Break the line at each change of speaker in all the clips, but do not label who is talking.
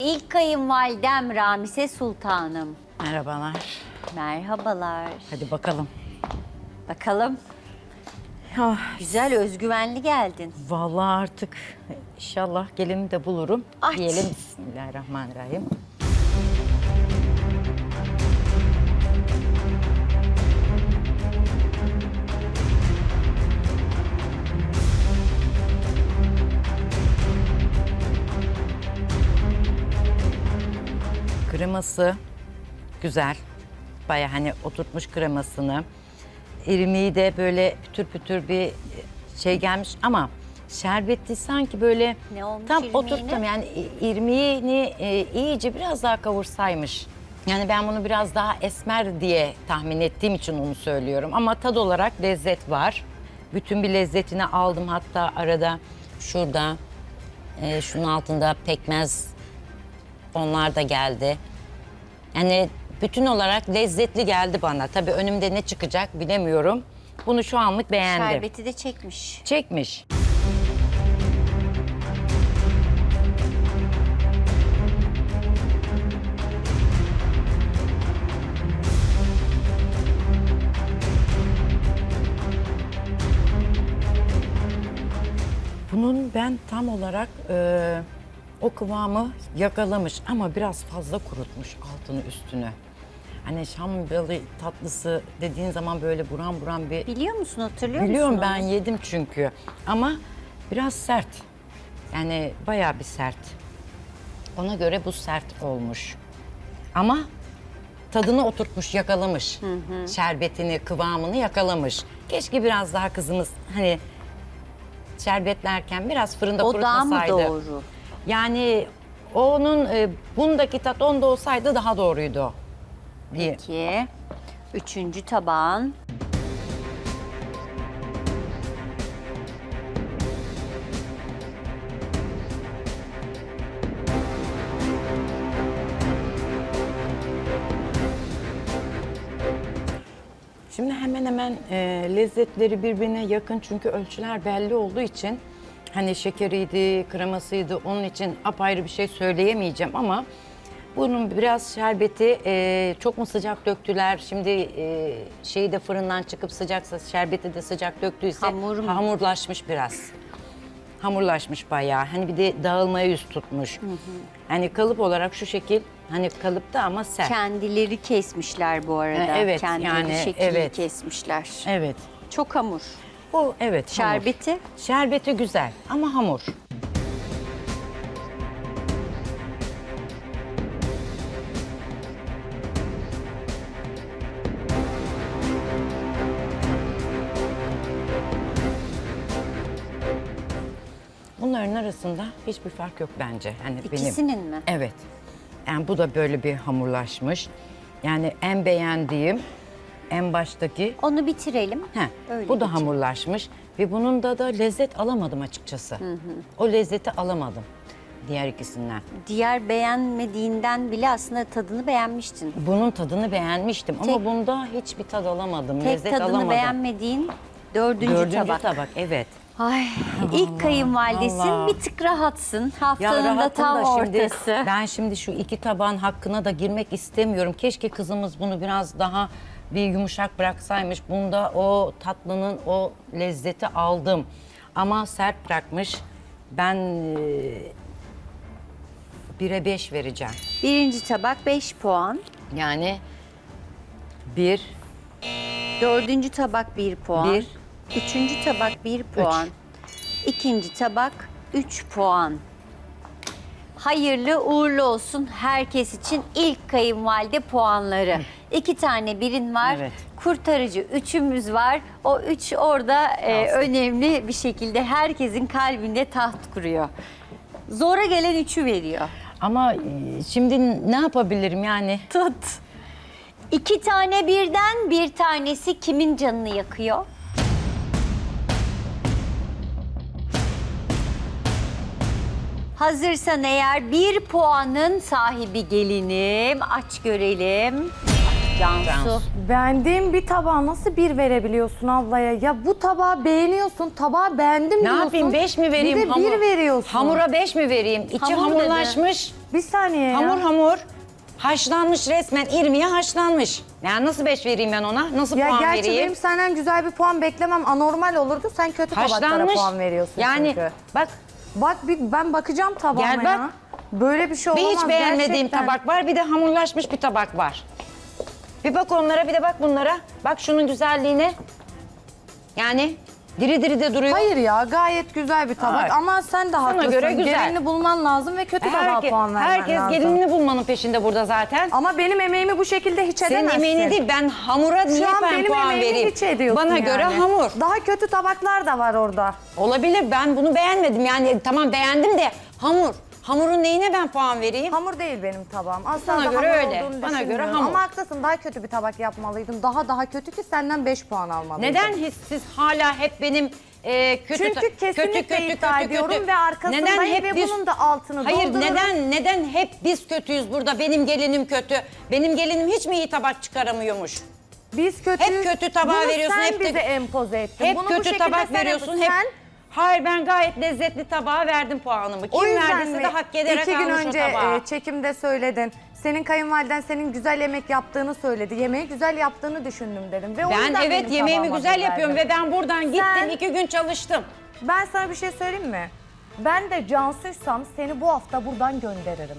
ilk kayınvalidem Ramise Sultanım.
Merhabalar.
Merhabalar.
Hadi bakalım.
Bakalım. Güzel, özgüvenli geldin.
Vallahi artık inşallah gelini de bulurum.
Aç.
Diyelim Bismillahirrahmanirrahim. Kreması güzel. Baya hani oturtmuş kremasını. İrmiği de böyle pütür pütür bir şey gelmiş ama şerbeti sanki böyle
Ne olmuş
tam
irmiğine?
oturttum yani irmiğini iyice biraz daha kavursaymış. Yani ben bunu biraz daha esmer diye tahmin ettiğim için onu söylüyorum ama tad olarak lezzet var. Bütün bir lezzetini aldım, hatta arada şurada şunun altında pekmez, onlar da geldi. Yani bütün olarak lezzetli geldi bana. Tabii önümde ne çıkacak bilemiyorum. Bunu şu anlık beğendim.
Şerbeti de çekmiş.
Çekmiş. Bunun ben tam olarak o kıvamı yakalamış ama biraz fazla kurutmuş altını üstünü. Hani Şam balı tatlısı dediğin zaman böyle buram buram bir...
Biliyor musun, hatırlıyor
Biliyorum,
musun
ben
onu?
yedim çünkü. Ama biraz sert. Yani bayağı bir sert. Ona göre bu sert olmuş. Ama tadını oturtmuş, yakalamış. Şerbetini, kıvamını yakalamış. Keşke biraz daha kızımız hani şerbetlerken biraz fırında
O daha mı
kurutmasaydı.
doğru?
Yani onun bundaki tat onda olsaydı daha doğruydu. diye.
Peki. Üçüncü tabağın.
Şimdi hemen hemen lezzetleri birbirine yakın çünkü ölçüler belli olduğu için hani şekeriydi, kremasıydı, onun için apayrı bir şey söyleyemeyeceğim ama bunun biraz şerbeti çok mu sıcak döktüler? Şimdi şeyi de fırından çıkıp sıcaksa, şerbeti de sıcak döktüyse
Hamur mu?
hamurlaşmış biraz. Hamurlaşmış bayağı. Hani bir de dağılmaya yüz tutmuş. Hani kalıp olarak şu şekil, hani kalıpta ama sert.
Kendileri kesmişler bu arada.
Evet,
Kendileri
yani,
şekil
evet.
kesmişler.
Evet.
Çok hamur.
Bu evet hamur.
Şerbeti.
Şerbeti güzel ama hamur. Bunların arasında hiçbir fark yok bence. Hani
İkisinin mi?
Evet. Yani bu da böyle bir hamurlaşmış. Yani en beğendiğim en baştaki
Onu bitirelim. Öyle
bu da
geçelim.
hamurlaşmış ve bunun da lezzet alamadım açıkçası. O lezzeti alamadım diğer ikisinden.
Diğer beğenmediğinden bile aslında tadını beğenmiştin.
Bunun tadını beğenmiştim ama
Tek-
bunda hiçbir tad alamadım,
Tek
lezzet
tadını
alamadım.
beğenmediğin dördüncü tabak.
Evet.
Ay, ilk kayınvalidesin,
vallahi.
bir tık rahatsın.
Ya
Haftanın da
rahatım
tam
da şimdi,
ortası.
ben şimdi şu iki tabağın hakkına da girmek istemiyorum. Keşke kızımız bunu biraz daha bir yumuşak bıraksaymış. Bunda o tatlının o lezzeti aldım. Ama sert bırakmış. Ben 1'e 5 vereceğim.
Birinci tabak 5 puan.
Yani 1,
Dördüncü tabak 1 puan.
1,
Üçüncü tabak 1 puan. İkinci tabak 3 puan. Hayırlı uğurlu olsun herkes için ilk kayınvalide puanları. 2 tane birin var.
Evet.
Kurtarıcı 3'ümüz var. O 3 orada önemli bir şekilde herkesin kalbinde taht kuruyor. Zora gelen 3'ü veriyor.
ama şimdi ne yapabilirim yani?
Tut. 2 tane birden bir tanesi kimin canını yakıyor? Hazırsan eğer 1 puanın sahibi gelinim. Aç görelim. Cansu.
Cansu.
Beğendiğim bir tabağa nasıl bir verebiliyorsun ablaya? Ya bu tabağı beğeniyorsun, tabağı beğendim
Ne
diyorsun.
yapayım, 5 mi vereyim?
Bir de bir veriyorsun.
Hamura 5 mi vereyim? İçi
Hamur dedi.
hamurlaşmış.
Bir saniye ya.
Hamur hamur. Haşlanmış resmen, irmiye haşlanmış. Yani nasıl 5 vereyim ben ona? Nasıl
Ya
puan
gerçi
vereyim?
benim senden güzel bir puan beklemem anormal olurdu. Sen kötü tabaklara
Haşlanmış.
puan veriyorsun
Yani
çünkü.
bak
Bak ben bakacağım tabağıma
Gel bak.
ya. Böyle bir şey
bir
olamaz
hiç beğenmediğim
gerçekten.
tabak var, bir de hamurlaşmış bir tabak var. Bir bak onlara, bir de bak bunlara. Bak şunun güzelliğine. Yani diri diri de duruyor.
Hayır ya gayet güzel bir tabak
Hayır.
ama sen de haklısın.
göre güzel.
Gelinini bulman lazım ve kötü tabağa puan vermen
herkes
lazım.
gelinini bulmanın peşinde burada zaten.
Ama benim emeğimi bu şekilde hiç
Senin
edemezsin.
emeğini değil, ben hamura niye
Şu an
ben
benim
puan
emeğimi
vereyim?
hiç ediyorsun
Bana
yani.
göre hamur.
Daha kötü tabaklar da var orada.
Olabilir, ben bunu beğenmedim. Yani tamam beğendim de hamur. Hamurun neyine ben puan vereyim?
Hamur değil benim tabağım. Asla
Bana
da
göre
hamur
öyle.
olduğunu
Bana göre
düşünmüyorum.
hamur.
Ama haklısın daha kötü bir tabak yapmalıydım. Daha kötü ki senden 5 puan almalıydım.
Neden siz hala hep benim kötü
Çünkü kesinlikle iddia ediyorum ve arkasındayım ve bunun da altını
Hayır,
doldururum.
neden hep biz kötüyüz burada? Benim gelinim kötü. Benim gelinim hiç mi iyi tabak çıkaramıyormuş?
Biz kötüyüz.
Hep kötü tabağı
Bunu
veriyorsun,
sen
hep de-
bize empoze ettin.
Hep
Bunu bu
kötü
şekilde
tabak
sen
veriyorsun.
yapıyorsun.
Hep Hayır, ben gayet lezzetli tabağa verdim puanımı. Kim
O yüzden
verdiyse
mi
de hak ederek
2 gün
almış
önce
o tabağı.
çekimde söyledin. Senin kayınvaliden senin güzel yemek yaptığını söyledi. Yemeği güzel yaptığını düşündüm dedim. Ve o
Ben
yüzden
evet
benim
yemeğimi
tabağıma
güzel
bir
yapıyorum
verdim.
ve ben buradan gittim
Sen-
2 gün çalıştım.
Ben sana bir şey söyleyeyim mi? Ben de Cansu'ysam seni bu hafta buradan gönderirim.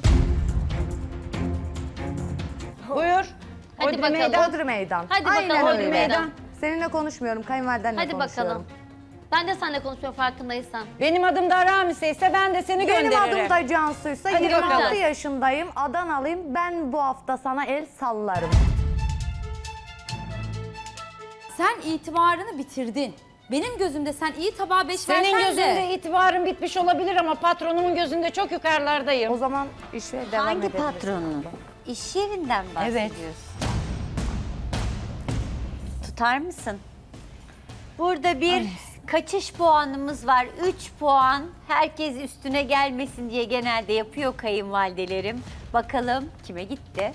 Buyur.
Hadi
Hodri
bakalım.
meydan.
Hodri meydan.
Hadi
Aynen
bakalım,
öyle.
Hodri meydan.
Seninle konuşmuyorum, kayınvalidenle
Hadi
konuşuyorum.
bakalım. Ben de seninle konuşmuyorum farkındaysan.
Benim adım da Ramise ise ben de seni
Benim
gönderirim.
adım da Cansu'ysa
Hadi
26
bakalım.
yaşındayım, Adanalıyım. Ben bu hafta sana el sallarım.
Sen itibarını bitirdin. Benim gözümde sen iyi tabağa 5
Senin
versen
gözünde
de.
itibarım bitmiş olabilir ama patronumun gözünde çok yukarılardayım.
O zaman işe devam
Hangi
edebiliriz.
patronun? İş yerinden bahsediyorsun. Tutar mısın? Burada bir kaçış puanımız var. 3 puan. Herkes üstüne gelmesin diye genelde yapıyor kayınvalidelerim. Bakalım kime gitti?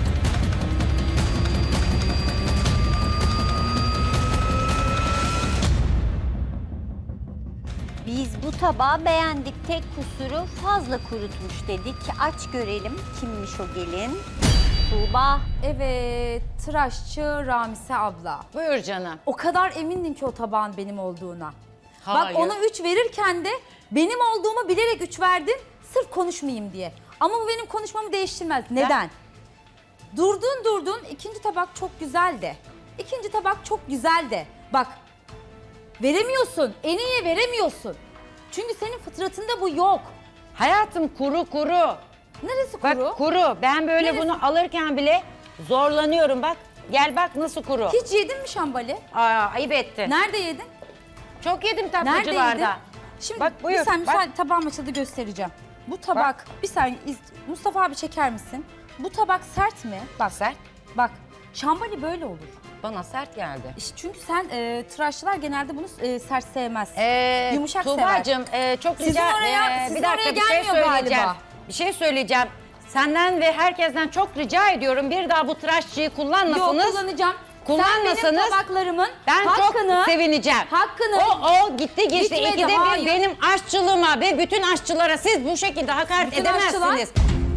Biz bu tabağı beğendik. Tek kusuru fazla kurutmuş dedik. Aç görelim kimmiş o gelin. Tuğba.
Evet, tıraşçı Ramise abla.
Buyur canım.
O kadar emindim ki o tabağın benim olduğuna.
Hayır.
Bak ona 3 verirken de benim olduğumu bilerek 3 verdin. Sırf konuşmayayım diye. Ama bu benim konuşmamı değiştirmez. Neden? Durdun. İkinci tabak çok güzel de. İkinci tabak çok güzel de. Bak veremiyorsun. En iyiye veremiyorsun. Çünkü senin fıtratında bu yok.
Hayatım kuru.
Neresi
Bak
kuru?
kuru. Ben böyle
Neresi?
bunu alırken bile zorlanıyorum bak. Gel bak nasıl kuru.
Hiç yedin mi şambali?
Ayıp ettin.
Nerede yedin?
Çok yedim
Nerede yedin?
tatlıcılarda.
Şimdi
Bak, buyur,
bir saniye
bak.
tabağım açıldı göstereceğim. Bu tabak bir saniye Mustafa abi çeker misin? Bu tabak sert mi? Bak
Sert.
bak şambali böyle olur.
Bana sert geldi.
İşte çünkü sen tıraşçılar genelde bunu sert sevmez. Yumuşak
Tuğbacığım, çok
Sizin
rica
oraya- sizin
bir dakika
oraya
bir şey
gelmiyor
söyleyeceğim.
galiba.
Bir şey söyleyeceğim. Senden ve herkesten çok rica ediyorum. Bir daha bu tıraşçıyı kullanmasanız.
Yok kullanacağım.
Kullanmasanız
Sen benim tabaklarımın
ben
hakkını,
çok sevineceğim.
hakkını
O gitti geçti.
Gitmedi,
İkide bir
hayır.
benim aşçılığıma ve bütün aşçılara siz bu şekilde hakaret
Bütün
edemezsiniz.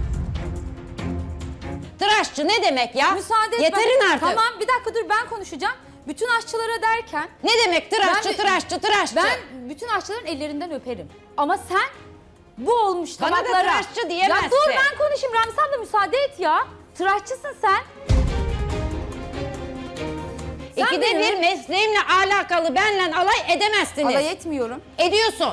Tıraşçı ne demek ya?
müsaade et.
Yeterin
ben-
artık.
Tamam bir dakika dur ben konuşacağım. Bütün aşçılara derken
Ne demek tıraşçı,
Ben-
tıraşçı?
ben bütün aşçıların ellerinden öperim. Ama sen bu olmuş
Bana da
tabaklara.
tıraşçı diyemezsin.
Ya dur ben konuşayım Ramza abla müsaade et ya. Tıraşçısın sen. Sen
İkide
benim-
bir mesleğimle alakalı benle alay edemezsiniz.
Alay etmiyorum.
Ediyorsun.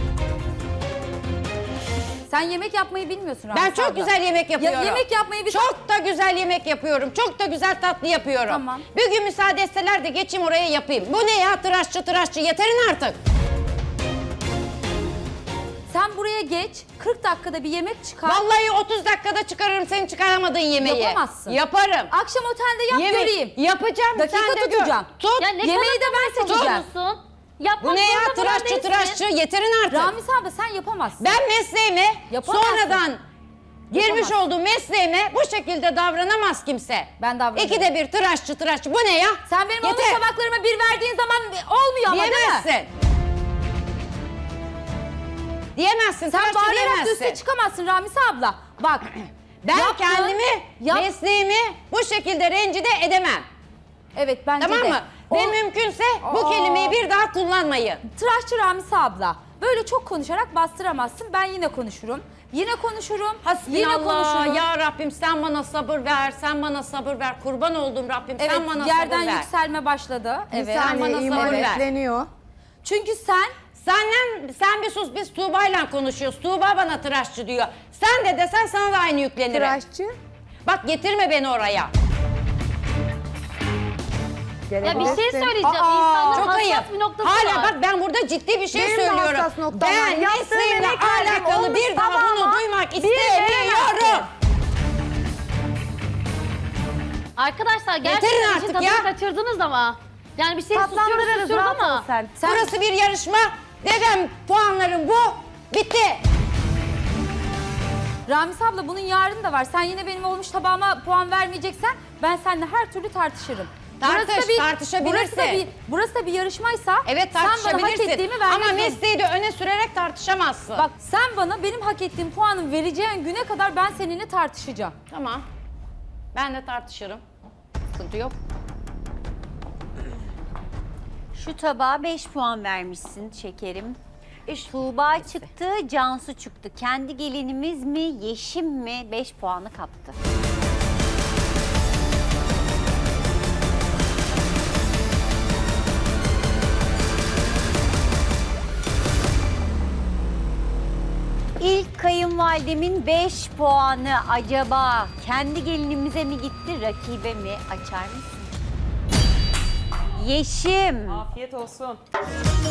Sen yemek yapmayı bilmiyorsun Ramza
Ben çok
abla.
güzel yemek yapıyorum.
yemek yapmayı bir
Çok da güzel yemek yapıyorum. Çok da güzel tatlı yapıyorum.
Tamam.
Bir gün müsaade etseler de geçeyim oraya yapayım. Bu ne ya tıraşçı yeterin artık.
Sen buraya geç 40 dakikada bir yemek çıkar.
Vallahi 30 dakikada çıkarırım senin çıkaramadığın yemeği.
Yapamazsın.
Yaparım.
Akşam otelde yap
Yemek
göreyim.
yapacağım.
Dakika
sen de gör.
tutacağım.
Tut.
Ya ne
Yemeği de ben
kadar
seçeceğim.
musun? Yapmak
Bu ne ya
zorunda falan değilsin.
tıraşçı yeterin artık.
Ramiz abla sen yapamazsın.
Ben mesleğime
Yapamazsın.
sonradan girmiş
Yapamazsın.
olduğum mesleğime bu şekilde davranamaz kimse.
Ben davranırım.
İkide bir tıraşçı. Bu ne ya?
Sen benim olmuş
Yeter.
tabaklarıma bir verdiğin zaman olmuyor ama değil mi?
Diyemezsin. Diyemezsin.
Sen
tıraşçı
bağırarak da
diyemezsin.
üste çıkamazsın Ramise abla. Bak.
Ben
yaptın,
kendimi, mesleğimi bu şekilde rencide edemem.
Evet bence
Tamam
de.
mı? Ve mümkünse bu kelimeyi bir daha kullanmayın.
Tıraşçı Ramisa abla. Böyle çok konuşarak bastıramazsın. Ben yine konuşurum. Yine konuşurum. Yine
Hasbinallah
konuşurum.
ya Rabbim sen bana sabır ver, sen bana sabır ver. Kurban oldum Rabbim
Evet,
sen bana
yerden
sabır ver.
yükselme başladı.
Bir
Evet.
saniye
bana
iman
sabır ver.
yükleniyor.
Çünkü sen
Sen bir sus, biz Tuğba'yla konuşuyoruz. Tuğba bana tıraşçı diyor. Sen de desen sana da aynı yüklenirim.
Tıraşçı.
Bak getirme beni oraya.
Ya bir şey
Gelebilirsin.
söyleyeceğim.
Aa,
İnsanların
Çok ayıp.
hassas bir noktası
Hala
var.
bak ben burada ciddi bir şey
Benim de
söylüyorum.
hassas noktam var.
Ben
Yaptığın
mesleğimle
emek verdim,
alakalı
olmuş
bir daha bunu
tabağıma
duymak
bir
istemiyorum.
veremezsin.
Arkadaşlar
Getirin
gerçekten
artık
işin tadını
ya.
kaçırdınız ama. Yani bir şey
Tatlandırırız,
susuyoruz
rahat ol
ama.
sen.
Burası bir yarışma. Dedem puanlarım bu. Bitti.
Ramiz abla bunun yarını da var. Sen yine benim olmuş tabağıma puan vermeyeceksen ben seninle her türlü tartışırım.
Tartışabilirsin.
Burası da bir yarışmaysa
Evet
sen bana hak
tartışabilirsin.
ettiğimi
Ama
vermezsin.
mesleği de öne sürerek tartışamazsın.
Bak sen bana benim hak ettiğim puanı vereceğin güne kadar ben seninle tartışacağım.
Tamam. Ben de tartışırım. Sıkıntı yok.
Şu tabağa 5 puan vermişsin şekerim. Tuğba çıktı, Cansu çıktı. Kendi gelinimiz mi, Yeşim mi 5 puanı kaptı. İlk kayınvalidemin 5 puanı acaba kendi gelinimize mi gitti, rakibe mi? Açar mısın? Yeşim.
Afiyet olsun.